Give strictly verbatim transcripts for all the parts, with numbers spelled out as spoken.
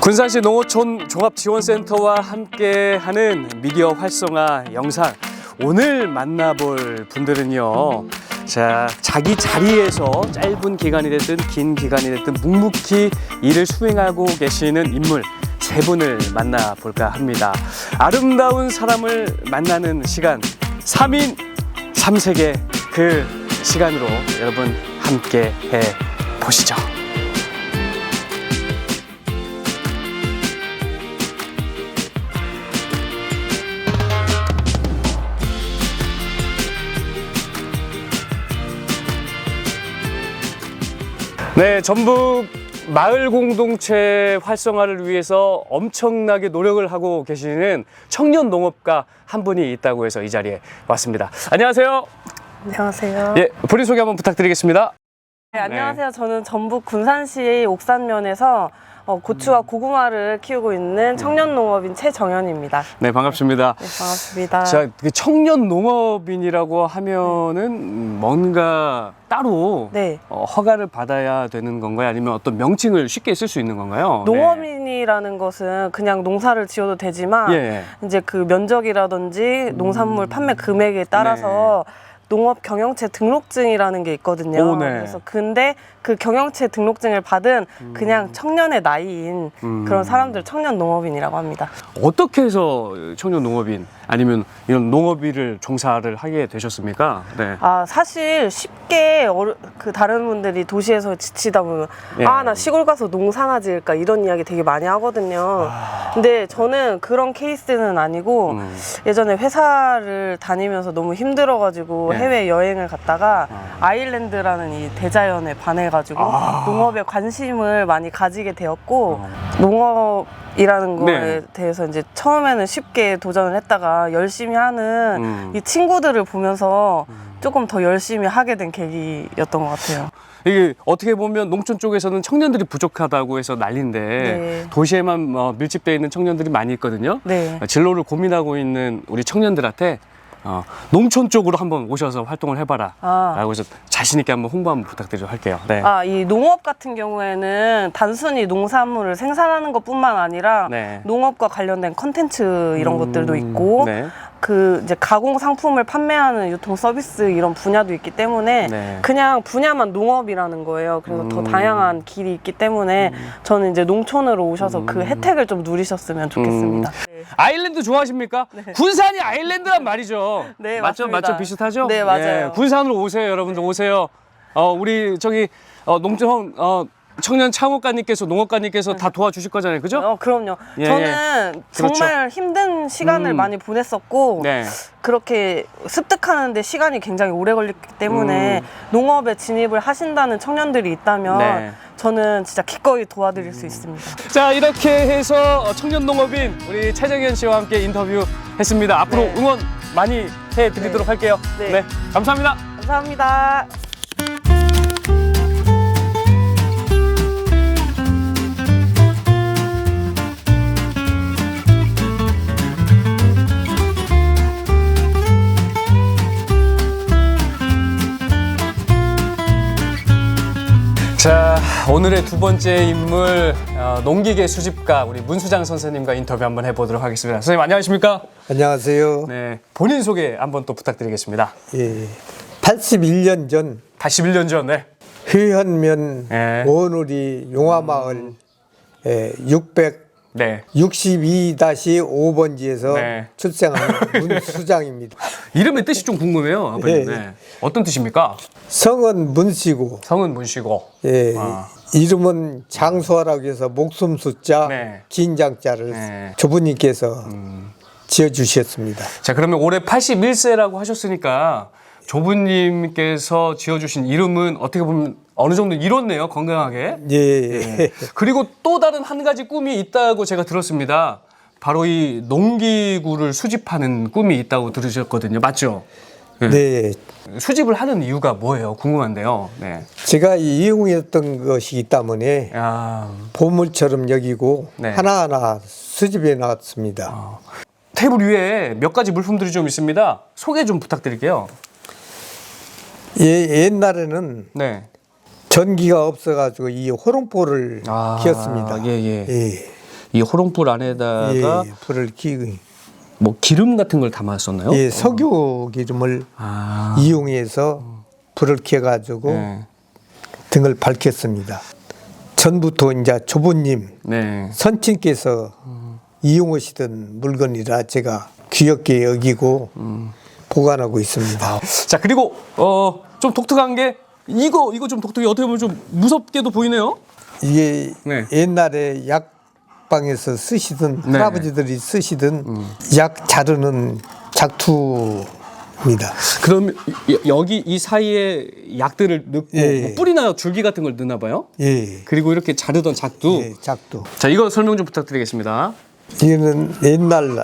군산시 농어촌 종합지원센터와 함께하는 미디어 활성화 영상, 오늘 만나볼 분들은요, 자, 자기 자리에서 짧은 기간이 됐든 긴 기간이 됐든 묵묵히 일을 수행하고 계시는 인물 세 분을 만나볼까 합니다. 아름다운 사람을 만나는 시간, 삼인 삼색의 그 시간으로 여러분 함께 해 보시죠. 네, 전북 마을 공동체 활성화를 위해서 엄청나게 노력을 하고 계시는 청년 농업가 한 분이 있다고 해서 이 자리에 왔습니다. 안녕하세요. 안녕하세요. 예, 본인 소개 한번 부탁드리겠습니다. 네, 안녕하세요. 저는 전북 군산시 옥산면에서 어, 고추와 고구마를 키우고 있는 청년 농업인 최정현입니다. 네, 반갑습니다. 네, 반갑습니다. 자, 그 청년 농업인이라고 하면은 뭔가 따로 네. 어, 허가를 받아야 되는 건가요? 아니면 어떤 명칭을 쉽게 쓸 수 있는 건가요? 농업인이라는 것은 그냥 농사를 지어도 되지만 예. 이제 그 면적이라든지 농산물 판매 금액에 따라서 농업 경영체 등록증이라는 게 있거든요. 오, 네. 그래서 근데 그 경영체 등록증을 받은 그냥 청년의 나이인 음. 그런 사람들 청년 농업인이라고 합니다. 어떻게 해서 청년 농업인 아니면 이런 농업일을 종사를 하게 되셨습니까? 네. 아, 사실 쉽게 어르, 그 다른 분들이 도시에서 지치다 보면 예. 아, 나 시골 가서 농사나 지을까 이런 이야기 되게 많이 하거든요. 아. 근데 저는 그런 케이스는 아니고 음. 예전에 회사를 다니면서 너무 힘들어가지고 예. 해외 여행을 갔다가 아. 아일랜드라는 이 대자연에 반해가지고 아. 농업에 관심을 많이 가지게 되었고 어. 농업이라는 거에 네. 대해서 이제 처음에는 쉽게 도전을 했다가 열심히 하는 음. 이 친구들을 보면서 조금 더 열심히 하게 된 계기였던 것 같아요. 이게 어떻게 보면 농촌 쪽에서는 청년들이 부족하다고 해서 난리인데 네. 도시에만 어, 밀집되어 있는 청년들이 많이 있거든요. 네. 어, 진로를 고민하고 있는 우리 청년들한테 어, 농촌 쪽으로 한번 오셔서 활동을 해봐라 아. 라고 해서 자신 있게 한번 홍보 한번 부탁드리도록 할게요. 네. 아, 이 농업 같은 경우에는 단순히 농산물을 생산하는 것뿐만 아니라 네. 농업과 관련된 컨텐츠 이런 음, 것들도 있고 네. 그 이제 가공 상품을 판매하는 유통 서비스 이런 분야도 있기 때문에 네. 그냥 분야만 농업이라는 거예요. 그래서 더 음. 다양한 길이 있기 때문에 저는 이제 농촌으로 오셔서 그 혜택을 좀 누리셨으면 좋겠습니다. 네. 아일랜드 좋아하십니까? 군산이 아일랜드란 말이죠. 네, 맞죠? 맞습니다. 맞죠? 비슷하죠? 네, 맞아요. 군산으로 오세요, 여러분들 오세요. 어, 우리 저기 어, 농촌 어, 청년 창업가님께서 농업가님께서 다 도와주실 거잖아요, 그죠? 어, 그럼요. 예, 저는 그렇죠. 정말 힘든 시간을 음. 많이 보냈었고 네. 그렇게 습득하는데 시간이 굉장히 오래 걸렸기 때문에 음. 농업에 진입을 하신다는 청년들이 있다면 네. 저는 진짜 기꺼이 도와드릴 수 있습니다. 자, 이렇게 해서 청년 농업인 우리 최정현 씨와 함께 인터뷰했습니다. 앞으로 네. 응원 많이 해드리도록 네. 할게요. 네. 네, 감사합니다. 감사합니다. 자, 오늘의 두 번째 인물 어, 농기계 수집가 우리 문수장 선생님과 인터뷰 한번 해보도록 하겠습니다. 선생님 안녕하십니까? 안녕하세요. 네, 본인 소개 한번 또 부탁드리겠습니다. 예, 팔십일 년 전 팔십일 년 전, 네. 회현면 예. 원우리 용화마을 예, 육백육십이 다시 오 번지에서 네. 출생한 문수장입니다. 이름의 뜻이 좀 궁금해요, 아버님. 예. 네. 어떤 뜻입니까? 성은 문씨고 성은 문씨고. 예, 아. 이름은 장수하라고 해서 목숨 숫자 네. 긴 장자를 네. 조부님께서 지어주셨습니다. 자, 그러면 올해 팔십일 세라고 하셨으니까 조부님께서 지어주신 이름은 어떻게 보면 어느 정도 이뤘네요, 건강하게. 예, 예. 그리고 또 다른 한 가지 꿈이 있다고 제가 들었습니다. 바로 이 농기구를 수집하는 꿈이 있다고 들으셨거든요. 맞죠? 네. 네. 수집을 하는 이유가 뭐예요? 궁금한데요. 네. 제가 이용했던 것이기 때문에 야, 보물처럼 여기고 네. 하나하나 수집해 놨습니다. 테이블 위에 몇 가지 물품들이 좀 있습니다. 소개 좀 부탁드릴게요. 예, 옛날에는 네. 전기가 없어가지고 이 호롱포를 아, 키웠습니다. 예, 예. 예. 이 호롱불 안에다가 예, 불을 켜고 뭐 기름 같은 걸 담았었나요? 예, 석유 기름을 아. 이용해서 불을 켜가지고 네. 등을 밝혔습니다. 전부터 이제 조부님, 네. 선친께서 이용하시던 물건이라 제가 귀엽게 여기고 음. 보관하고 있습니다. 자, 그리고 어, 좀 독특한 게 이거 이거 좀 독특해. 어떻게 보면 좀 무섭게도 보이네요. 이게 네. 옛날에 약방에서 쓰시던 네. 할아버지들이 쓰시던 약 자르는 작투입니다. 그럼 여- 여기 이 사이에 약들을 넣고 예, 뭐 예. 뿌리나 줄기 같은 걸 넣나 봐요. 예, 그리고 이렇게 자르던 작두. 예, 작두. 자, 이거 설명 좀 부탁드리겠습니다. 이거는 옛날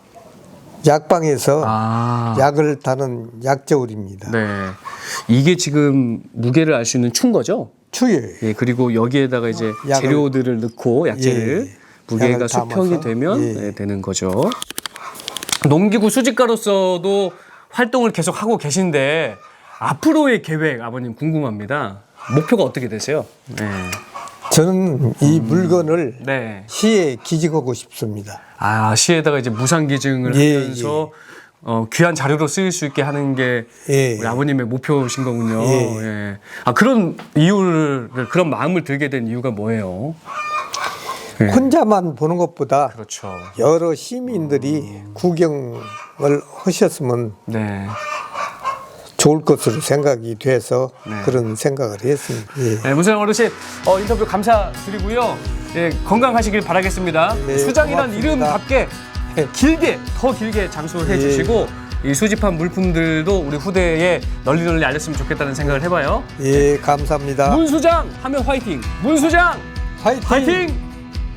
약방에서 아. 약을 다는 약저울입니다. 네. 이게 지금 무게를 알 수 있는 충 거죠? 추예. 예, 그리고 여기에다가 이제 약을- 재료들을 넣고 약재를 예, 무게가 약을 수평이 담아서, 되면 예. 네, 되는 거죠. 농기구 수집가로서도 활동을 계속 하고 계신데 앞으로의 계획 아버님 궁금합니다. 목표가 어떻게 되세요? 네. 저는 이 물건을 네. 시에 기증하고 싶습니다. 아, 시에다가 이제 무상 기증을 예, 하면서 어, 귀한 자료로 쓰일 수 있게 하는 게 예. 우리 아버님의 목표신 거군요. 예. 예. 아, 그런 이유를 그런 마음을 들게 된 이유가 뭐예요? 예. 혼자만 보는 것보다 그렇죠. 여러 시민들이 구경을 하셨으면 네. 좋을 것으로 생각이 돼서 네. 그런 생각을 했습니다. 예. 네, 문세영 어르신 어, 인터뷰 감사드리고요. 예, 건강하시길 바라겠습니다. 네, 수장이란 고맙습니다. 이름답게 길게 더 길게 장수해 예. 주시고 이 수집한 물품들도 우리 후대에 널리 널리 알렸으면 좋겠다는 생각을 해봐요. 예, 감사합니다. 문 수장 하면 화이팅. 문 수장 화이팅! 화이팅.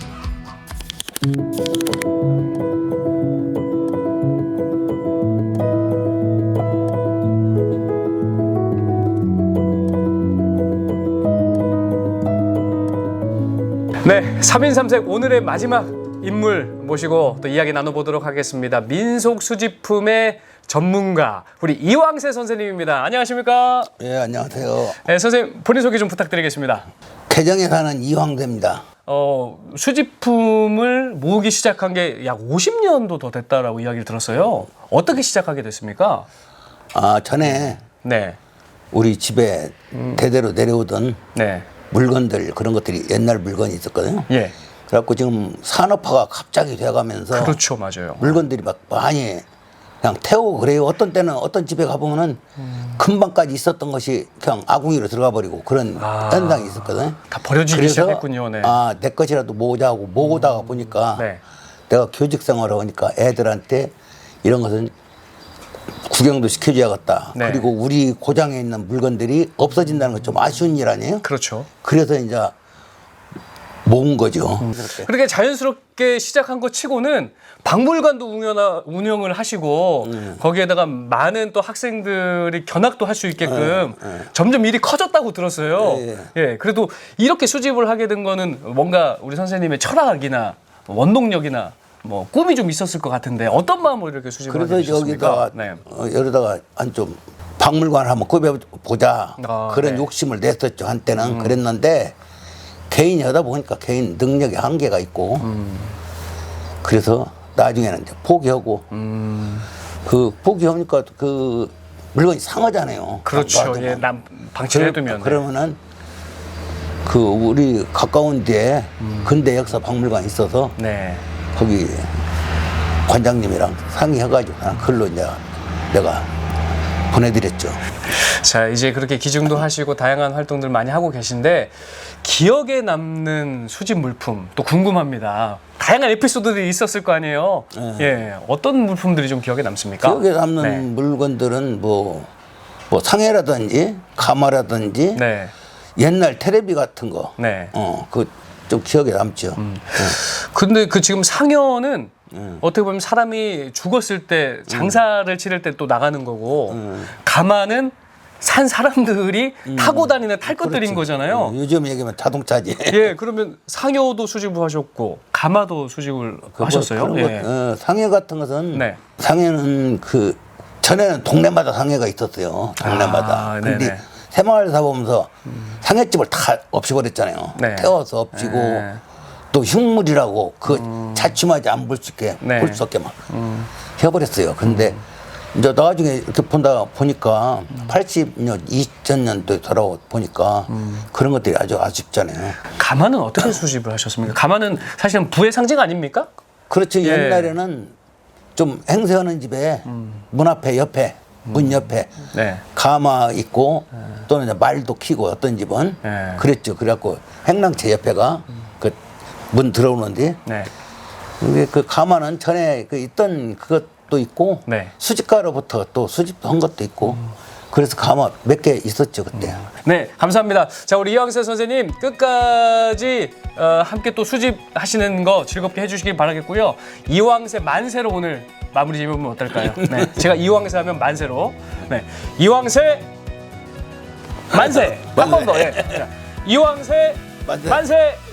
네, 삼인삼색 오늘의 마지막 인물 모시고 또 이야기 나눠보도록 하겠습니다. 민속 수집품의 전문가 우리 이왕세 선생님입니다. 안녕하십니까? 예, 안녕하세요. 네, 선생님 본인 소개 좀 부탁드리겠습니다. 개정에 사는 이황대입니다. 어, 수집품을 모으기 시작한 게 약 오십 년도 더 됐다라고 이야기를 들었어요. 어떻게 시작하게 됐습니까? 아, 전에 네, 우리 집에 대대로 내려오던 네, 물건들 그런 것들이 옛날 물건이 있었거든요. 예, 그래갖고 지금 산업화가 갑자기 돼가면서 그렇죠, 맞아요. 물건들이 막 많이 그냥 태우고 그래요. 어떤 때는 어떤 집에 가보면은 금방까지 있었던 것이 그냥 아궁이로 들어가 버리고 그런 아. 현상이 있었거든요. 다 버려지기 그래서 시작했군요. 네, 아, 내 것이라도 모으자고 모으다가 보니까 네. 내가 교직 생활을 하니까 애들한테 이런 것은 구경도 시켜줘야겠다. 네. 그리고 우리 고장에 있는 물건들이 없어진다는 건 좀 아쉬운 일 아니에요? 그렇죠. 그래서 이제 모은 거죠. 그렇게 자연스럽게 시작한 것 치고는 박물관도 운영하, 운영을 하시고 음. 거기에다가 많은 또 학생들이 견학도 할 수 있게끔 네, 점점 일이 커졌다고 들었어요. 예, 예, 그래도 이렇게 수집을 하게 된 거는 뭔가 우리 선생님의 철학이나 원동력이나 뭐 꿈이 좀 있었을 것 같은데 어떤 마음으로 이렇게 수집을 하게 그래서 되셨습니까? 여기다가 네. 어, 여기다가 한 좀 박물관을 한번 꾸며보자 아, 그런 네. 욕심을 냈었죠. 한때는 그랬는데 개인이 하다 보니까 개인 능력의 한계가 있고 음. 그래서 나중에는 이제 포기하고 음. 그 포기하니까 그 물건이 상하잖아요. 그렇죠. 놔두면. 예, 남 방치를 해두면. 네. 그러면은 그 우리 가까운 데에 음. 근대 역사 박물관이 있어서 네. 거기 관장님이랑 상의해가지고 그냥 글로 이제 내가 보내드렸죠. 자, 이제 그렇게 기증도 하시고 다양한 활동들 많이 하고 계신데 기억에 남는 수집 물품 또 궁금합니다. 다양한 에피소드들이 있었을 거 아니에요. 네. 예, 어떤 물품들이 좀 기억에 남습니까? 기억에 남는 네. 물건들은 뭐, 뭐 상해라든지 가마라든지 네. 옛날 테레비 같은 거, 네. 어, 그 좀 기억에 남죠. 근데 그 지금 상여는 음. 어떻게 보면 사람이 죽었을 때 장사를 치를 때 또 나가는 거고 가마는 산 사람들이 타고 다니는 탈 것들인 거잖아요. 어, 요즘 얘기하면 자동차지. 예, 그러면 상여도 수집을 하셨고 가마도 수집을 하셨어요? 그런 예. 것, 어, 상해 같은 것은 네. 상해는 그 전에는 동네마다 상해가 있었어요. 동네마다. 아, 근데 네네. 새마을 사보면서 상해집을 다 없애버렸잖아요. 네. 태워서 없애고 네. 또 흉물이라고 그 자취마지 안 볼 수 있게 네. 볼 수 없게 막 해버렸어요. 근데 이제 나중에 이렇게 본다 보니까 팔십 년, 이천 년도에 돌아오 보니까 그런 것들이 아주 아쉽잖아요. 가마는 어떻게 수집을 하셨습니까? 가마는 사실은 부의 상징 아닙니까? 그렇죠. 예. 옛날에는 좀 행세하는 집에 문 앞에 옆에 문 옆에 네. 가마 있고 또는 이제 말도 키고 어떤 집은 네. 그랬죠. 그래갖고 행랑채 옆에가 그 문 들어오는데 네. 근데 그 가마는 전에 그 있던 그것도 있고 네. 수집가로부터 또 수집도 한 것도 있고 그래서 가마 몇 개 있었죠 그때. 네, 감사합니다. 자, 우리 이황세 선생님 끝까지 어, 함께 또 수집하시는 거 즐겁게 해주시길 바라겠고요. 이황세 만세로 오늘 마무리 지으면 어떨까요? 네, 제가 이황세 하면 만세로. 네, 이황세 만세. 한 번 더. 예. 자, 이황세 만세. 만세.